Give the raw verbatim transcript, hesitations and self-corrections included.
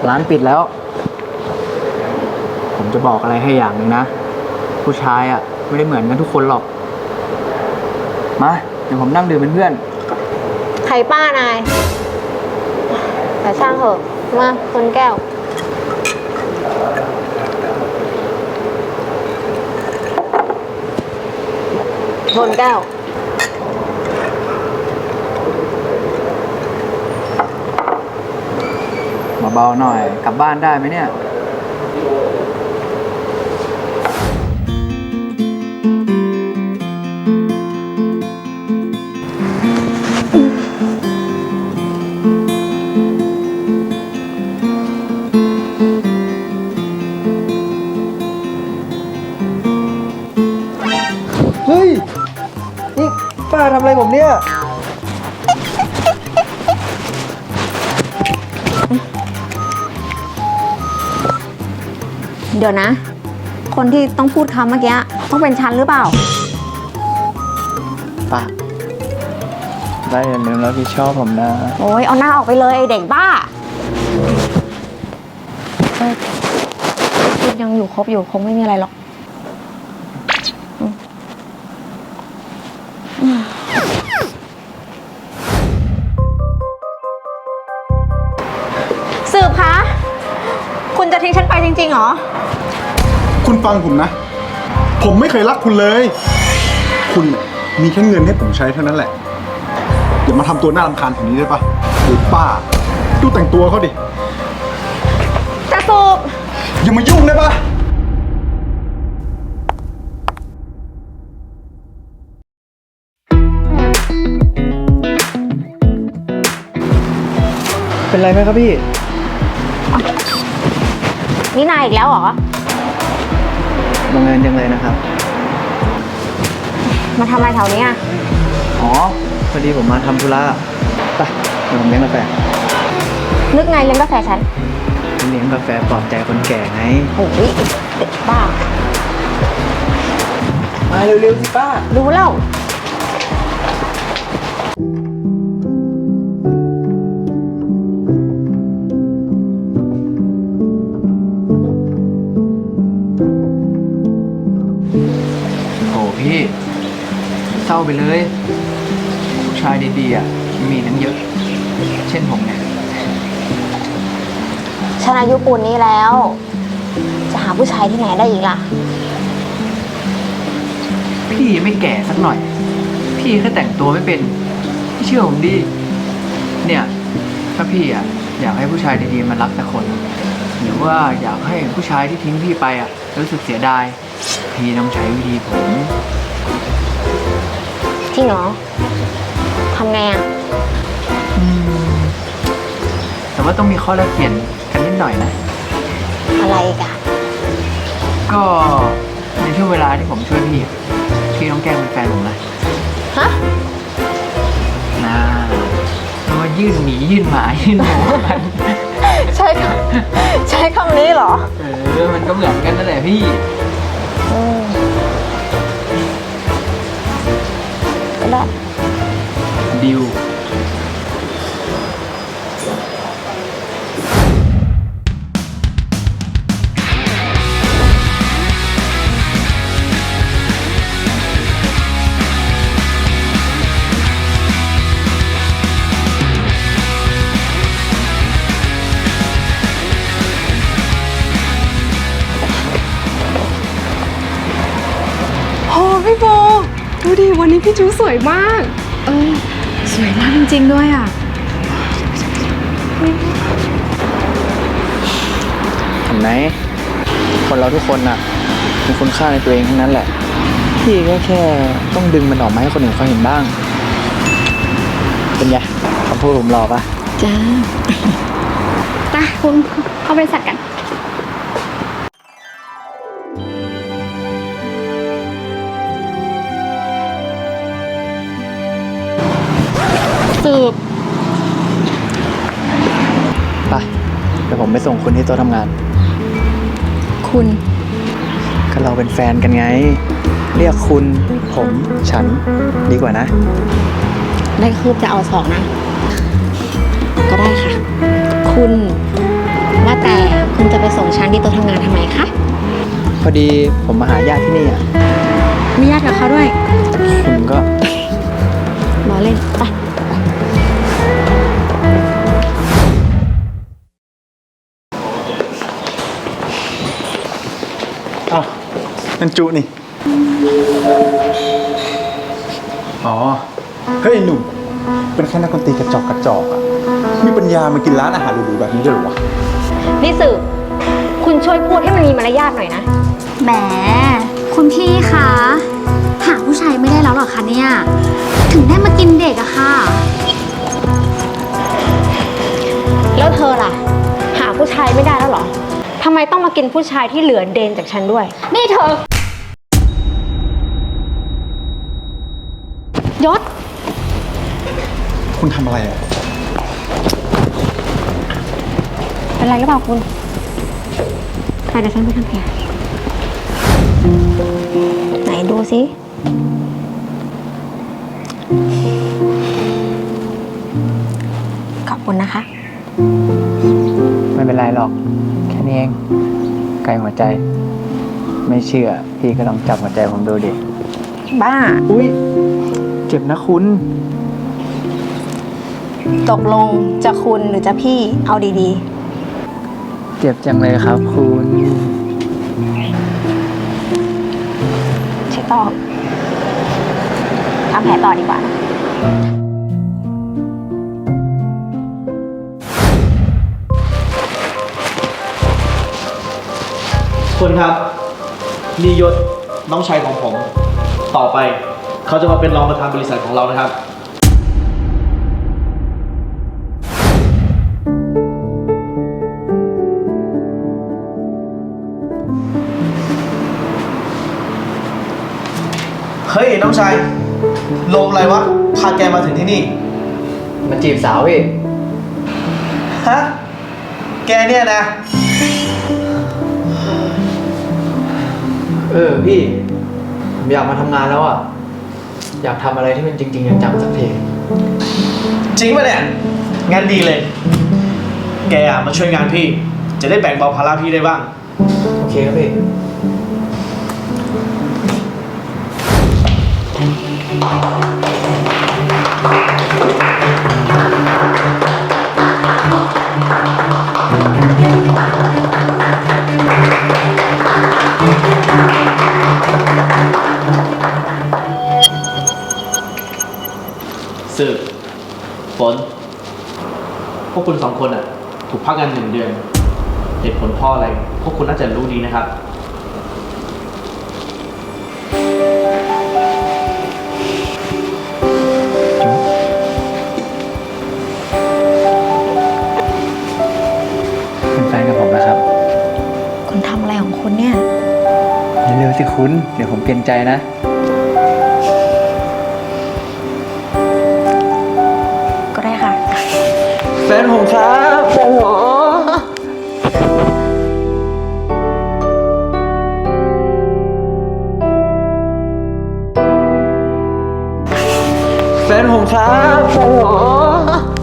ร้านปิดแล้ว ผมจะบอกอะไรให้อย่างหนึ่งนะ ผู้ชายอ่ะไม่ได้เหมือนกันทุกคนหรอก มาเดี๋ยวผมนั่งดื่มเป็นเพื่อนใครป้านาย แต่ช่างเถอะ มาคนแก้วชนแก้วเบาๆหน่อย กลับบ้านได้ไหมเนี่ย เฮ้ย นี่ป้าทำอะไรผมเนี่ยเดี๋ยวนะ คนที่ต้องพูดคำเมื่อกี้ต้องเป็นฉันหรือเปล่าป้าได้อย่าลืมรับผิดชอบผมนะโอ้ยเอาหน้าออกไปเลยไอเด็กบ้าเอ้ยพูดยังอยู่ครบอยู่คงไม่มีอะไรหรอกอืมอืมสืบคะ คุณจะทิ้งฉันไปจริงๆเหรอคุณฟังผมนะ ผมไม่เคยรักคุณเลย คุณเนี่ยมีแค่เงินให้ผมใช้เท่านั้นแหละอย่ามาทำตัวน่ารำคาญแบบนี้ได้ปะหรือป้า ดูแต่งตัวเขาดิจะสูบอย่ามายุ่งได้ปะเป็นไรไหมครับพี่นี่นายอีกแล้วเหรอบังเอิญจังเลยนะครับมาทำอะไรแถวนี้อ่ะอ๋อ พอดีผมมาทำธุระไปเดี๋ยวผมเลี้ยงกาแฟนึกไงเลี้ยงกาแฟฉันเลี้ยงกาแฟปลอบใจคนแก่ไงโอ้ยเด็กบ้ามาเร็วๆสิป้ารู้แล้วโอ้พี่เศร้าไปเลย ผู้ชายดีๆอ่ะมีทั้งเยอะ เช่นผมเนี่ยฉันอายุปูนนี้แล้ว จะหาผู้ชายที่ไหนได้อีกล่ะพี่ไม่แก่สักหน่อย พี่แค่แต่งตัวไม่เป็นพี่เชื่อผมดิเนี่ย ถ้าพี่อ่ะอยากให้ผู้ชายดีๆมารักสักคน หรือว่าอยากให้ผู้ชายที่ทิ้งพี่ไปอ่ะรู้สึกเสียดาย พี่ต้องใช้วิธีผมจริงเหรอ ทำไงอ่ะอืมแต่ว่าต้องมีข้อแลกเปลี่ยนกันนิดหน่อยนะอะไรอีกอ่ะก็ในช่วงเวลาที่ผมช่วยพี่อะพี่ต้องแกล้งเป็นแฟนผมนะฮะนะเพราะว่ายื่นหมียื่นหมายื่นหมูกันใช่คำใช้คำนี้เหรอเออมันก็เหมือนกันนั่นแหละพี่อืมก็ได้ดิวโอ้พี่โบดูดิวันนี้พี่จูสวยมาก เออสวยมากจริงๆด้วยอ่ะเห็นไหมคนเราทุกคนน่ะมีคุณค่าในตัวเองทั้งนั้นแหละ พี่ก็แค่ต้องดึงมันออกมาให้คนอื่นเขาเห็นบ้าง เป็นไงคำพูดผมหล่อปะจ้าตาคุณเข้าบริษัทกัน สืบไปเดี๋ยวผมไปส่งคุณที่โต๊ะทำงานคุณก็เราเป็นแฟนกันไง เรียกคุณผมฉันดีกว่านะได้คืบจะเอาสองนะ ก็ได้ค่ะ คุณ ว่าว่าแต่คุณจะไปส่งฉันที่โต๊ะทำงานทำไมคะพอดีผมมาหาญาติที่นี่อ่ะมีญาติกับเขาด้วยคุณก็ล้อเล่นไปอ้าวนั่นจุนี่ อ๋อ เฮ้ยหนุ่ม เป็นแค่นักดนตรีกระจอกกระจอกอะมีปัญญามากินร้านอาหารหรูๆแบบนี้ด้วยเหรอวะนี่สืบคุณช่วยพูดให้มันมีมารยาทหน่อยนะแหม คุณพี่คะ หาผู้ชายไม่ได้แล้วเหรอคะเนี่ย ถึงได้มากินเด็กอะค่ะแล้วเธอล่ะ หาผู้ชายไม่ได้แล้วเหรอทำไมต้องมากินผู้ชายที่เหลือเดนจากฉันด้วยนี่เธอยศคุณทำอะไรอะเป็นไรหรือเปล่าคุณใครเดี๋ยวฉันไปทำแผลไหนดูสิขอบคุณนะคะไม่เป็นไรหรอก แค่นี้เอง ไกลหัวใจ ไม่เชื่อ พี่ก็ลองจับหัวใจผมดูดิบ้าอุ้ยเจ็บนะคุณตกลงจะคุณหรือจะพี่เอาดีเจ็บจังเลยครับคุณๆใช่ต่อทำแผลต่อดีกว่านะคุณครับนี่ยศน้องชายของผม ต่อไป เขาจะมาเป็นรองประธานบริษัทของเรานะครับ เฮ้ย น้องชายลมอะไรวะ พาแกมาถึงที่นี่มันจีบสาวพี่ฮะ แกเนี่ยนะเออพี่ ผมอยากมาทำงานแล้วอ่ะ อยากทำอะไรที่มันจริงๆจังๆสักทีจริงป่ะเนี่ย งานดีเลย แกอะมาช่วยงานพี่ จะได้แบ่งเบาภาระพี่ได้บ้างโอเคครับพี่สืบฝน พวกคุณสองคนอ่ะ ถูกพักงานหนึ่งเดือน เหตุผลเพ่ออะไร พวกคุณน่าจะรู้ดีนะครับเป็นแฟนกับผมนะครับคุณทำอะไรของคุณเนี่ยเร็วๆสิคุณ เดี๋ยวผมเปลี่ยนใจนะก็ได้ค่ะแฟนผมครับแฟนผมแฟนผมครับแฟนผม